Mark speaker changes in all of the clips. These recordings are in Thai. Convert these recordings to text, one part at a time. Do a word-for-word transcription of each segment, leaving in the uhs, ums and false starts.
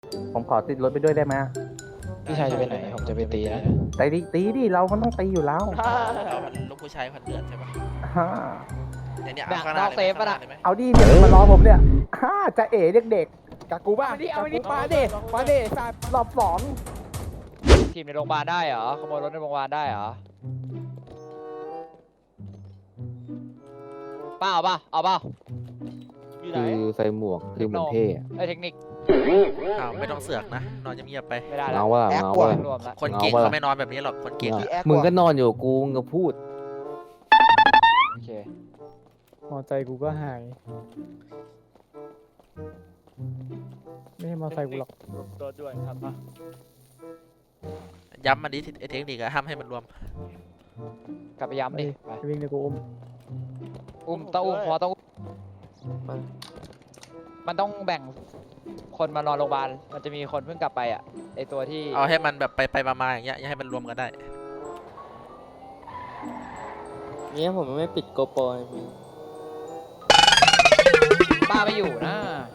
Speaker 1: ผมขอติดรถไปด้วยได้ไหม
Speaker 2: พี่ชายจะไปไหนผมจะไปตีนะ
Speaker 1: ตีดิตีดิเรามันต้องตีอยู่แล้ว
Speaker 3: เราพันลูกผู้ชายพันเดือดใช่ปะ
Speaker 1: ฮ่า
Speaker 3: เนี่ยเนี่ย
Speaker 2: แบ่
Speaker 3: เอา
Speaker 2: ง
Speaker 3: ข้างหน้าน
Speaker 2: อกเซฟปะน่ะ
Speaker 3: เลยไหม
Speaker 1: เอาดิเนี่ยมารอผมเนี่ยฮ่าจะเอ๋เด็กๆกับกูบ้าง
Speaker 4: เอาดิเอาดิ
Speaker 1: มาเด็มาเด็สัตว์รอบสอง
Speaker 2: ทีมในโรงพยาบาลได้เหรอขโมยรถในโรงพยาบาลได้เหรอป้าเอาป่ะเอาป่ะ
Speaker 4: อยู่ไหน
Speaker 5: คือใส่หมวกคือเหมือนเท่อะ
Speaker 2: ไอ้เทคนิค
Speaker 3: อ้าวไม่ต้องเสือกนะนอนเงียบๆไป
Speaker 2: ไม่ได้แล้ว
Speaker 5: เงาว่าเงาว่า
Speaker 2: รวมแล้ว
Speaker 3: คนเก่ง
Speaker 5: เอาปะ
Speaker 3: เขาไม่นอนแบบนี้หรอกคนเก่งอะ
Speaker 5: มึงก็นอนอยู่กูมึงก็พูด
Speaker 2: โอเค
Speaker 4: มอใจกูก็หาย ไม่ให้มอไซค์กูหรอกตัวด่วนครับ
Speaker 3: ย้ำมันดิไอเทคนิคอะห้ามให้มันรวม
Speaker 2: กลับไปย้ำดิไป
Speaker 4: วิ่งเลยกูอุ้ม
Speaker 2: อุ้มต้องอุ้มพอต้องอุ้มมันต้องแบ่งคนมานอนโรงพยาบาลมันจะมีคนเพิ่งกลับไปอ่ะไอตัวที่
Speaker 3: เอาให้มันแบบไปไปมาๆอย่างเงี้ยอย่าให้มันรวมกันได้
Speaker 6: เนี่ยผมไม่ปิดโกโปรเลยพี่
Speaker 2: ป้าไม่อยู่นะ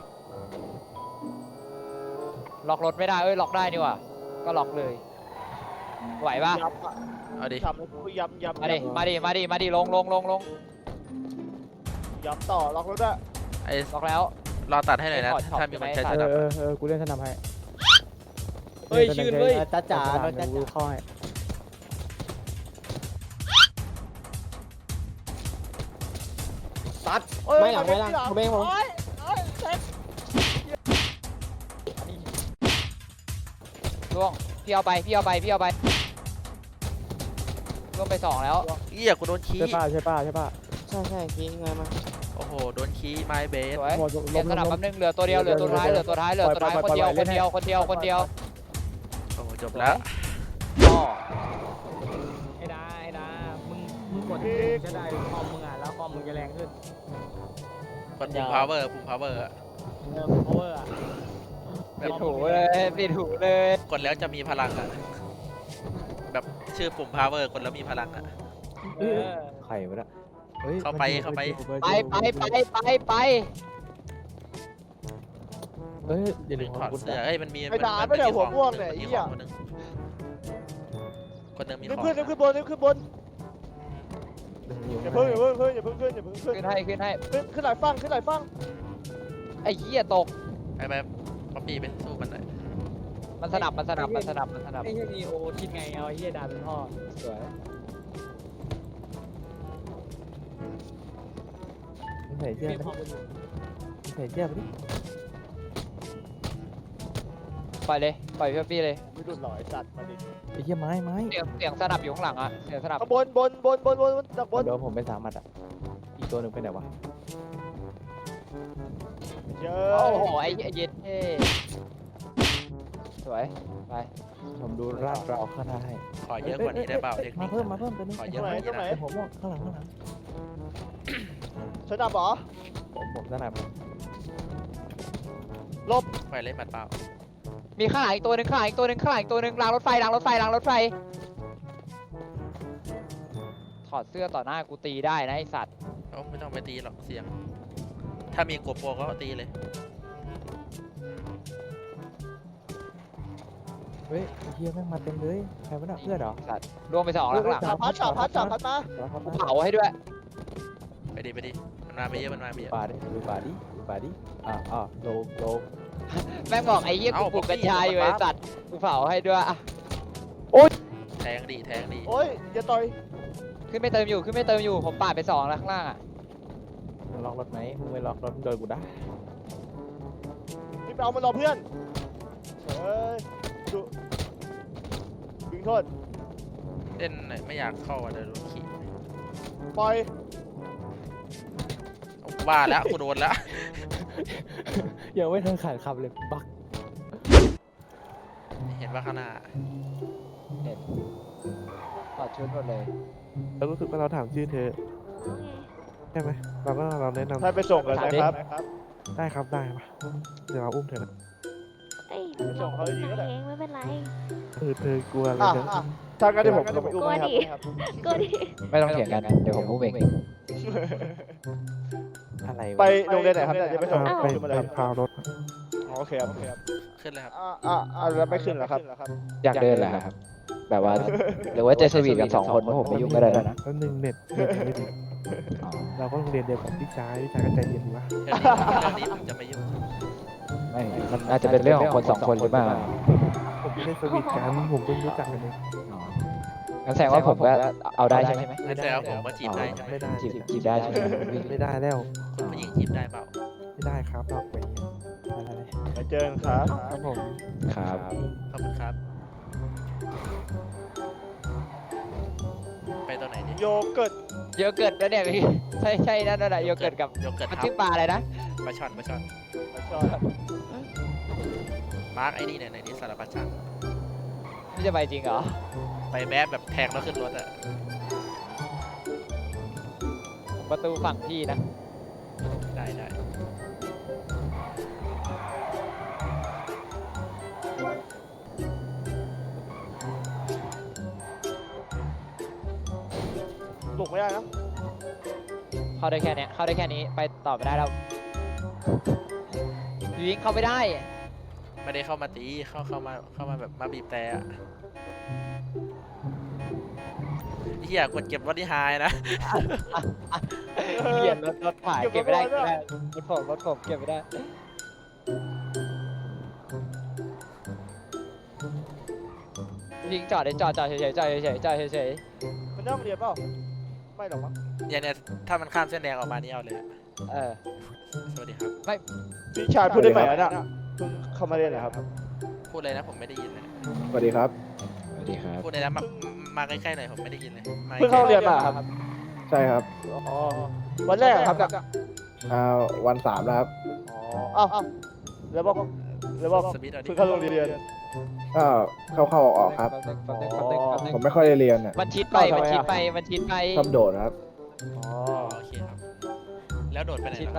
Speaker 2: ล็อกรถไม่ได้เอ้ยล็อกได้นี่หว่าก็ล็อกเลยไหวปะ
Speaker 4: ยับอ่ะ
Speaker 3: เอาดิ
Speaker 4: ทำให้กูย้ำย้ำ
Speaker 2: มาดิมาดิมาดิมาดิลงลงลงลง
Speaker 4: ย้ำต่อล็อกรถอ่ะ
Speaker 3: ไอ้
Speaker 2: ล็อกแล้ว
Speaker 3: รอตัดให้หน่อยนะ
Speaker 2: ถอดช็อป
Speaker 3: ถ้ามีคนใช้
Speaker 2: ใช่
Speaker 3: ส
Speaker 2: ไหม
Speaker 3: นับ
Speaker 4: เออเออกูเล่นสนามให้
Speaker 2: เฮ้ยชื่นเว้ย
Speaker 4: จ้าจ๋าจ้ากูเข้าให้ตัด
Speaker 6: ไม่หลังไม่หลังผมเองผม
Speaker 2: ล่วงพี่เอาไปพี่เอาไปพี่เอาไปล่วงไปสองแล้ว
Speaker 3: เอี้ยกูโดนขี้
Speaker 4: ใช่ป่ะใช่ป่ะใช่ป่ะ
Speaker 6: ใช่ใช่คิดไงมา
Speaker 3: โอ้โหโดนขี้ไม้เบส
Speaker 2: สวย
Speaker 4: หมด
Speaker 2: เปลี่ยนสนับแป๊บนึงเหลือตัวเดียวเหลือตัวท้ายเหลือตัวท้ายเหลือตัวท้ายคนเดียวคนเดียวคนเดียวคนเดียว
Speaker 3: โอ้โหจบแล้ว
Speaker 2: ก็
Speaker 4: ไอ้ดาไอ้ดามึงมึงกดจะได้คอมมึงอ่ะแล้วคอมมึงจะแรงขึ้น
Speaker 3: คนปุ่มพาวเวอร์ปุ่มพาวเวอร์อะ
Speaker 4: เออ power อ่ะ
Speaker 2: ปิดหูเลยปิดหูเลย
Speaker 3: กดแล้วจะมีพลังอะแบบชื่อปุ่มพาวเวอร์กดแล้วมีพลังอะ
Speaker 4: เออ
Speaker 5: ไข่วะเนี่ยเฮ้ย
Speaker 3: เข้าไปเข้าไป
Speaker 2: ไปไปไปไปไป
Speaker 5: เอ้ยเดี๋ยว
Speaker 3: ดึงถอดเสื้อเอ้ยมันมี
Speaker 4: ไอ้ดา
Speaker 3: มั
Speaker 4: ไม่ได้
Speaker 3: มี
Speaker 4: หัว
Speaker 3: ของ
Speaker 4: ม่วงเนี่ย
Speaker 3: มั
Speaker 4: ไอ้
Speaker 3: มี
Speaker 4: เหี้
Speaker 3: ข
Speaker 4: ย
Speaker 3: องคนหนึงคนหนึงมี
Speaker 4: รีบ
Speaker 3: ของ
Speaker 4: ขึ้นรีบขึ้นบนรีบขึ้นบนอย่าเพิ่งอย่าเพิ่งขึ้นอย่าเพิ่งขึ้นอย่าเพิ่งขึ้น
Speaker 2: ขึ้นให้ขึ้นให้
Speaker 4: ขึ้นขึ้นหลายฟังขึ้นหลายฟัง
Speaker 2: ไอ้เหี้ยตก
Speaker 3: ไปไปป๊อปปี้ไปสู้มันหน่อย
Speaker 2: มันสนับมันสนับมันสนับมันสนับ
Speaker 4: ไอ้เหี้ยนีโอคิดไงเอาไอ้เหี้ยดาเป็นพ่อสวย
Speaker 5: ใส่เสื้อ
Speaker 4: มี
Speaker 5: ไป
Speaker 4: พ่อเป็น
Speaker 5: ใส่เสื้อไปดิ
Speaker 2: ปล่อยเลยปล่อยเพื่อพี่เลย
Speaker 4: ไม่ดุหล่อไอ้สัตว์มาดิ
Speaker 5: ไอ้เหี้ยไม้ไม้
Speaker 2: เสียงเสียงสนับอยู่ข้างหลังอ่ะเสียงสนับ
Speaker 4: ข้างบนบนบนบนบนบนจากบน
Speaker 5: เดี๋ยวผมไปสามมัดอ่ะอีกตัวหนึ่งไปไหนวะ
Speaker 4: เยอ
Speaker 2: โอ้
Speaker 4: ะ
Speaker 2: โหไอ้เย็ดเท่สวยไป
Speaker 5: ผมดูลาดเราข้างหน้าให้
Speaker 3: ขอเยอะกว่านี้ได้เปล่าเทคนิ
Speaker 5: มา
Speaker 3: ค
Speaker 5: เพิ่มมาเพิ่มตัวนึง
Speaker 3: ขอ
Speaker 4: ต
Speaker 3: เย
Speaker 4: ร
Speaker 3: อะ
Speaker 4: ง
Speaker 3: ก
Speaker 4: ไหน
Speaker 3: ว่า
Speaker 4: ตร
Speaker 3: นี้
Speaker 4: งไหน
Speaker 3: นะ
Speaker 5: ผมว่าข้างหลังข้างหลัง
Speaker 4: ชนะบอ
Speaker 5: ผมผมสนับ
Speaker 3: ไปเล่นหมัดเปล่า
Speaker 2: มีข้างหลังอีกตัวหนึ่งข้างหลังอีกตัวหนึ่งข้างหลังอีกตัวหนึ่งรางรถไฟรางรถไฟรางรถไฟถอดเสื้อต่อหน้ากูตีได้นะไอสัตว์
Speaker 3: เอ้าไม่ต้องไปตีหรอกเสียง ถ้ามีกบโปรก็ตีเลย
Speaker 5: เฮ้ยไอ้เหี้ยแม่งมาเต็มเลยใครวะน่ะเพื่อนเหรอ
Speaker 2: สัตว์รวมไปสองแล้วข้างหลัง
Speaker 4: สามพัดสามพัดสามพัดมา
Speaker 5: แล้วครับ
Speaker 2: กูเผาให้ด้วย
Speaker 3: ไปดิไปดิมันมาไปเยอะมันมาไปเยอะ
Speaker 5: ป่าดิดูป่าดิดูป่าดิอ่าอ่าโลโล
Speaker 2: แม่งบอกไอ้เหี้ยกูปลูกกัญชาอยู่ไอ้สัตว์กูเผาให้ด้วยอะ
Speaker 3: แทงดีแทงดี
Speaker 4: โอ้ยอย่าต่อย
Speaker 2: ขึ้นไม่เติมอยู่ขึ้นไม่เติมอยู่ผมปาดไปสองแล้วข้างล่างอะ
Speaker 5: มึงล็อกรถไหมมึงไม่ล็อกรถโดนกูได้
Speaker 4: รีบไปเอามันรอเพื่อนเฮ้ยดูดึงโทษ
Speaker 3: เล่นหน่อยไม่อยากเข้าอ่ะเดี๋ยวโดนขี่
Speaker 4: ปล่อย
Speaker 3: เอาว่าแล้วกูโดนแล้ว
Speaker 5: ยังไม่ทันขาดคำเลยบัก
Speaker 3: เห็นว่าข้างหน้า
Speaker 2: เห็นถอดชุดหมดเลย
Speaker 7: แล้วรู้สึกว่าเราถามชื่อเธอใช่ไหมเราก็เราแนะนำ
Speaker 4: ให้ไปส่งกันนะครับ
Speaker 7: ได้ครับได้ปะเดี๋ยวเราอุ้มเธอนะ
Speaker 8: เอ้ย
Speaker 4: ไปส่งเขาดีๆก็ได้
Speaker 8: เองไม่เป็นไร
Speaker 7: เออเธอกลัวอะไร
Speaker 4: อ่ะ
Speaker 7: นะ
Speaker 4: อ่ะถ้างั้นเดี๋ยวผมลงไปอุ้มให้ครับ
Speaker 8: ก็ดี
Speaker 2: ไม่ต้องเถียงกันเดี๋ยวผมพูดเอง
Speaker 5: อะไรวะ
Speaker 4: ไปโรงเรียนไหนครับเนี่ยจะไปส่ง
Speaker 7: พาไป
Speaker 4: ขึ้นมาเลย
Speaker 7: พารถ
Speaker 4: อ๋อโอเคครับโอเคครับ
Speaker 3: โอเคขึ้นเลยครับ
Speaker 1: อ่าอ่าอ่าแล้วไม่ขึ้นเหรอครับ
Speaker 2: อยากเดินแหละครับ แบบว่า หรือว่าจะสวีทกันสองคนเพราะผมไม่ยุ่งก็ได้นะ
Speaker 7: แป๊บนึงเน็ตเน็ตยังไม่ดีเราก็โรงเรียนเดียวกับพี่ชายพี่ชายก็ใจเย็นวะ
Speaker 3: เรื่องนี้เรื่องนี้ผมจะไม่ยุ่ง
Speaker 2: ไม่มันอาจจะเป็นเรื่องของคนสองคนหรือเปล่า
Speaker 7: ผมไม่ได้สวีทกันผมเพิ่งรู้จักกันเอง
Speaker 2: งั้นแสดงว่าผมก็เอาได้ใช่ไหม
Speaker 3: ไม่ใช่ว่าผมว่าจีบได้ใช่ไหม
Speaker 7: ไม่ได้
Speaker 2: จีบจีบได้ใช่ไหม
Speaker 7: ไม่ได้แล้ว
Speaker 3: คุณผู้หญิงจีบได้เปล่า
Speaker 7: ไม่ได้ครับหรอกไป
Speaker 1: ไปเจอกันครับ
Speaker 7: ครับผม
Speaker 2: ครับ
Speaker 3: ขอบคุณครับ ไปตรงไหนดิ
Speaker 1: โยเกิร์ต
Speaker 2: โยเกิร์ตนะเนี่ยพี่ใช่ใช่นั่นน่ะโยเกิร์ตกับ
Speaker 3: โยเกิร์ต
Speaker 2: มัน
Speaker 3: ครับ
Speaker 2: ชื่อปลาอะไรนะ
Speaker 3: ปลาช่อนปลาช่อน
Speaker 1: ชอบ
Speaker 3: มาร์กไอ้นี่เนี่ยในนี้สารพัดช่าง
Speaker 2: พี่จะไปจริงเหรอ
Speaker 3: ไปแบบแบบแทงแล้วขึ้นรถอะ
Speaker 2: ประตูฝั่งพี่นะ
Speaker 3: ได้ได้
Speaker 1: หลงไม่ได้นะ
Speaker 2: เข้าได้แค่เนี้ยเข้าได้แค่นี้ไปต่อไม่ได้แล้วยิงเข้าไม่ได้
Speaker 3: ไม่ได้เข้ามาตีเข้าเข้ามาเข้ามาแบบมาบีบแต่อะเฮียกดเก็บรถที่ไฮนะ
Speaker 2: เหี้ยรถรถผ่านเก็บไม่ได้เก็บไม่ได้รถผมรถผมเก็บไม่ได้ยิงจอดเลยจอดจอดเฉยๆจอดเฉยๆจอดเฉย
Speaker 1: มันเริ่มเรียนเปล่าไม่หรอกมั้ง
Speaker 3: เนี่ยเนี่ยถ้ามันข้ามเส้นแดงออกมานี่เอาเลยอะ
Speaker 2: ๆเออ
Speaker 3: สวัสดีครับ
Speaker 1: พี่ชายพูดได้ไหมอ่ะเนี่ยเพิ่งเข้ามาเรียนเหรอครับ
Speaker 3: พูดเลยนะผมไม่ได้ยินเลย
Speaker 7: สวัสดีครับ
Speaker 2: สวัสดีครับ
Speaker 3: พูดเลยนะมามาใกล้ๆหน่อยผมไม่ได้ยินเลยมา
Speaker 1: เพิ่งเข้าเรียนมาครับ
Speaker 7: ใช่ครับ
Speaker 1: อ๋อวันแรกเหรอครับเนี่ย
Speaker 7: อ่าวันสามแล้วครับ
Speaker 1: อ๋ออ้าวแล้วบอกแล้วบอก
Speaker 3: สมิธเอาดิ
Speaker 1: เพิ่งเข้าโรงเรียน
Speaker 7: ก็เข้าเข้าออกครับ
Speaker 2: แป๊บนึงแป๊บนึงแป๊บนึงแป๊บนึง
Speaker 7: ผมไม่ค่อยได้เรียนอ่ะ
Speaker 2: มันชิดไป
Speaker 1: ทำไม
Speaker 2: มันชิด
Speaker 1: อะ
Speaker 2: ไปมันชิดไป
Speaker 7: ชอบโดดครับ
Speaker 1: อ๋อ
Speaker 3: อ๋อโอเคครับ แล้วโดดไปไหน
Speaker 2: ชิด
Speaker 3: ล่ะ
Speaker 2: ไป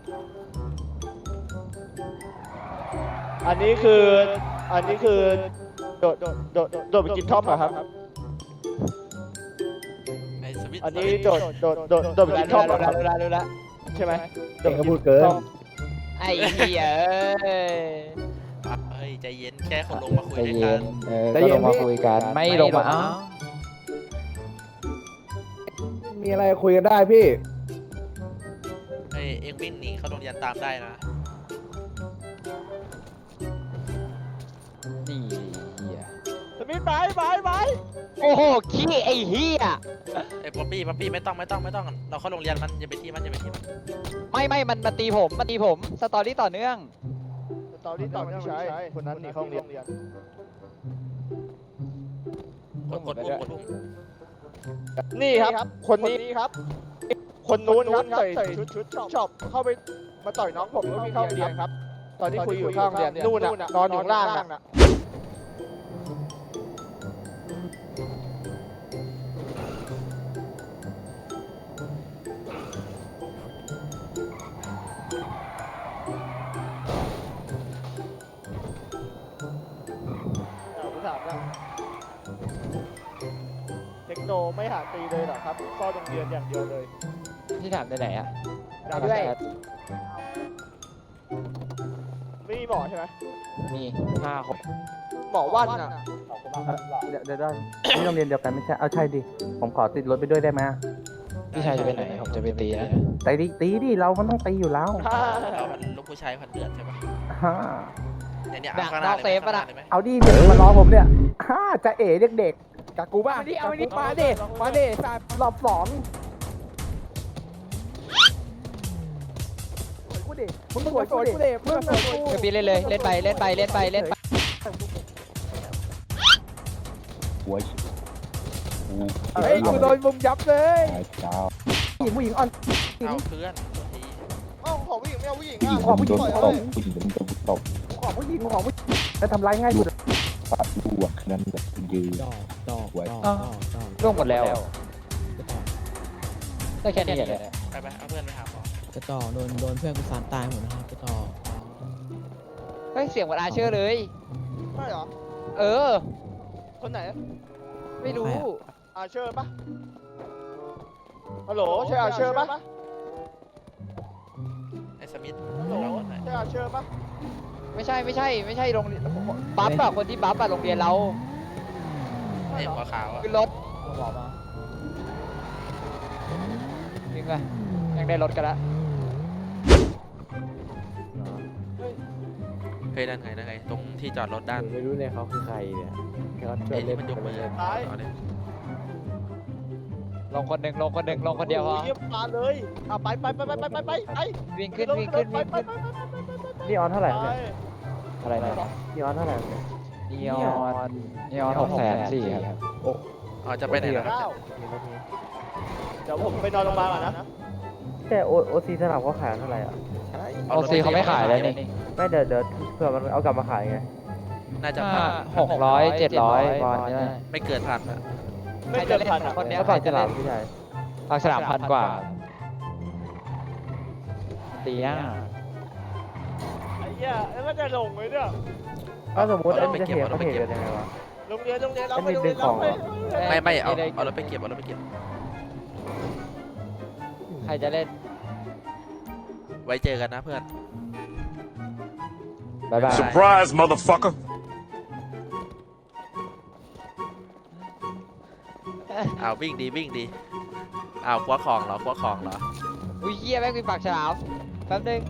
Speaker 1: อันนี้คือ อันนี้คือ โดด โดด โดด โดดไปกินท็อปเหรอครับ
Speaker 3: ไอ้สมิธ
Speaker 1: อันนี้โดด โดด โดด โดดไปกินท็อปเหรอครับ
Speaker 2: รู้ละรู้ละ
Speaker 1: ใช่ไหม
Speaker 7: เองก็พูดเกิน
Speaker 2: ไอ้เหี้ยเอ้ย
Speaker 3: เฮ้ยใจเย็นแค่คนลงมาคุย
Speaker 2: ใจ
Speaker 3: ด้วย
Speaker 2: เย็
Speaker 3: กัน น
Speaker 2: เออก็ลงมาคุยกันไม่ลงมาเอ้า
Speaker 7: มีอะไรคุยกันได้พี่
Speaker 3: ไอ้เอ็งวิ่งหนีเข้าโรงเรียนตามได้นะ
Speaker 2: นี่เหี้ย
Speaker 1: สมิธไปไปไป
Speaker 2: โอ้โหขี้ไอ้เหี้ย
Speaker 3: ไอ้ป๊อปปี้ป๊อปปี้ไม่ต้องไม่ต้องไม่ต้องเราเข้าโรงเรียนมันอย่าไปที่มันอย่าไปที่มัน
Speaker 2: ไม่ไม่มันมาตีผมมาตีผมสตอรี่ต่อเนื่อง
Speaker 1: ตอนนี้ต่อไม่ใช้คนนั้นหนีเข้าโรงเรียน
Speaker 3: กดกดปุ่มกดปุ่ม
Speaker 1: นี่ครับ คนนี้ครับ คนนู้นครับใส่ชุดชุดชอบเข้าไปมาต่อยน้องผมแล้ววิ่งเข้าโรงเรียนครับ ตอนที่คุยอยู่ข้างโรงเรียนนู่นน่ะนอนอยู่ล่างน่ะเอาผมถามนะเทคโนไม่หาตีเลยเหรอครับก็โรงเรียนอย่างเดียวเลย
Speaker 2: ที่ถามในไหนอะ
Speaker 1: ถามด้วยไม่มีหมอใช่ไหม
Speaker 2: มีห้าคน
Speaker 1: หมอวันน่ะ
Speaker 8: เดี๋ยวเดี๋ยวเดี๋ยวนี่โรงเรียนเดียวกันไม่ใช่ เอาใช่ดิ ผมขอติดรถไปด้วยได้ไหม
Speaker 2: พี่ชายจะไปไหนผมจะไปตีนะ
Speaker 8: ตีดิตีดิ เรามันต้องตีอยู่แล้ว
Speaker 3: เรามันลูกผู้ชายพันเดือดใช่ปะ
Speaker 8: ฮ่า
Speaker 3: เนี่ยเนี่ย
Speaker 2: ดั
Speaker 3: เอา
Speaker 2: ก
Speaker 3: ข้างหน้าน
Speaker 2: อกเซฟปะน่ะ
Speaker 3: ได้ไหม
Speaker 8: เอาดิเนี่ยมารอผมเนี่ยฮ่าจะเอ๋เด็กๆกับกูบ้า
Speaker 1: เอาดิเอาดิ
Speaker 8: มาดิมาดิสายรอบสองสวยกูดิมึงสวยกูดิมึงสวยกู
Speaker 2: เดี๋ยวพี่เล่นเลยเล่นไปเล่นไปเล่นไปเล่นไป
Speaker 8: เฮ้ยกูโดนมุมยับเลยผู้หญิงผู้หญิงอ่อน
Speaker 3: เอาเพื่อนตัวที
Speaker 1: เอ้าของผู้หญิงไม่เอาผู้หญิง
Speaker 8: ขอผู้หญิงขอผู้หญิงขอผู้หญิงขอผู้หญิงแล้วทำร้ายง่ายสุด
Speaker 5: ดอกดอกดอกดอกดอก
Speaker 2: ร่วงหมดแล้วได้แค่นี้แหละ
Speaker 3: ไปไปเอาเพื่อนไปหาหมอก
Speaker 5: ระต่อโดนโดนเพื่อนกูสานตายหมดนะครับกระต่อ
Speaker 2: เฮ้ยเสียงเหมือนอาเชอร์เลย
Speaker 1: ใช่เหรอ
Speaker 2: เออ
Speaker 1: คนไหน
Speaker 2: ไม่รู้
Speaker 1: อาเชอร์ปะฮัลโหลใช่อาเชอร์ปะ
Speaker 3: ไอ้สมิธ
Speaker 1: ฮัลโหล
Speaker 3: เราคนไหน
Speaker 1: ใช่อาเชอร์ปะ
Speaker 2: ไม่ใช่ไม่ใช่ไม่ใช่โรงเรียนบัฟอะคนที่บัฟอะโรงเรียนเรา
Speaker 3: ไอ้หัวขาวอะ
Speaker 2: ขึ้นรถบอกมาจริงป่ะยังได้รถกันละ
Speaker 3: เฮ้ยนั่นไงนั่นไงตรงที่จอดรถด้าน
Speaker 5: ผมไม่รู้เลยเขาคือใครเนี่ยเขาชว
Speaker 3: ไอ้
Speaker 5: น
Speaker 3: ที่
Speaker 5: เล่น
Speaker 3: มันยกมือ
Speaker 1: ซ้าย
Speaker 3: เอาดิ
Speaker 2: ลงคนหนึ่งลงคนหนึ่งลงคนเดียวพอ
Speaker 1: โอ้เยี่ยมมาเลยอ่ะไปไปไปไปไปไปไปไป
Speaker 2: วิ่งขึ้นวิ่งขึ้นวิ่งขึ้น
Speaker 8: นี่ออนเท่าไหร่
Speaker 1: ไป
Speaker 8: เนี่ย
Speaker 2: อะไรนะ
Speaker 8: นี่ออนเท่าไหร่เนี่ย
Speaker 2: นีออนนีออนหกแสนสี่ครับ
Speaker 3: อ๋อจะไปไหนล่ะครับ
Speaker 1: เก้าเดี๋ยวผมไปนอนโรงพยาบาลก่อนนะ
Speaker 8: แต่โอโอซีสนามเขาขายเท่าไหร่อ่ะ
Speaker 2: โอซีเขาไม่ขายเลยนี่
Speaker 8: ไม่เดี๋ยวเดี๋ยวเผื่อมันเอากลับมาขายไง
Speaker 3: น่าจะ
Speaker 2: ห้า
Speaker 3: ผ่าน
Speaker 2: หกร้อยเจ็ดร้อยบอลนี่ได้
Speaker 3: ไม่เกินพันอะ
Speaker 1: ไม่เกินพันอ่ะ
Speaker 2: คนเนี้ย
Speaker 8: แล้วปากฉลามพี่ชาย
Speaker 2: ปากฉลามพันกว่าตีอ่ะ
Speaker 1: ไอ้เหี้ยแล้วมันจะลงไหมเนี่ย
Speaker 8: ถ้าสมมติอันนี้จะเทเขาเทกันยังไงวะ
Speaker 1: โรงเรียนโรงเรียนเราไป
Speaker 8: ไม่
Speaker 1: โรง
Speaker 8: ดึ
Speaker 1: เรีย
Speaker 8: ง
Speaker 1: น
Speaker 8: ข
Speaker 1: เรา
Speaker 8: อง
Speaker 1: ไป
Speaker 8: เหรอ
Speaker 3: ไม่ไม่เอาเอารถไปเก็บเอารถไปเก็บ
Speaker 2: ใครจะเล่น
Speaker 3: ไว้เจอกันนะเพื่อน
Speaker 2: บายบาย
Speaker 9: Surprise, motherfucker.
Speaker 3: เอาวิ่งดีวิ่งดีเอาคว้าของเหรอคว้าของเหรอ
Speaker 2: อุ้ยเหี้ยแม่งมีปากฉลามแป๊บนึง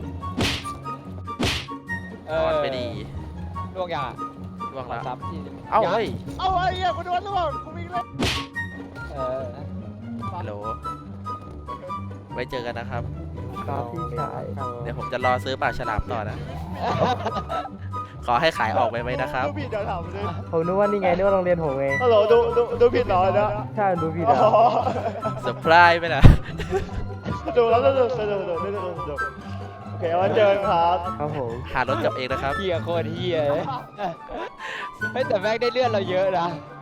Speaker 3: นอนไปดี
Speaker 2: ล่วงยังอ่ะ
Speaker 3: ล่วงแล้ว
Speaker 2: ซ้ำที่
Speaker 3: เอ้าเฮ้ย
Speaker 1: เอาไอ้เหี้ยกูโดนแล้วกูวิ่งเลย
Speaker 2: เออ
Speaker 3: ฮัลโหลไว้เจอกันนะครับ
Speaker 8: ครับพี่ชาย
Speaker 3: เดี๋ยวผมจะรอซื้อปลาฉลามต่อนะ ขอให้ขายออกไปไหมนะครับ
Speaker 1: ดูผิดเดี๋ยวถามเลย
Speaker 8: ผมนึกว่านี่ไงนึกว่าโรงเรียนผมไง
Speaker 1: ฮัลโหลดูดูดูผิดเหรอนะ
Speaker 8: ใช่ดูพี่
Speaker 1: อ๋
Speaker 8: ดา
Speaker 1: อ
Speaker 3: เซอร์ไพรส์ไหมล่ะ
Speaker 1: ดูแล้วดูดูดูดูดูดูดูโอเควันเจอกันครับ
Speaker 8: ครับผม
Speaker 3: หารถกลับเองนะครับ
Speaker 2: เหี้ยโคตรเหี้ยเลยเฮ้ยแต่แม่งได้เลื่อนเราเยอะนะ
Speaker 1: ใ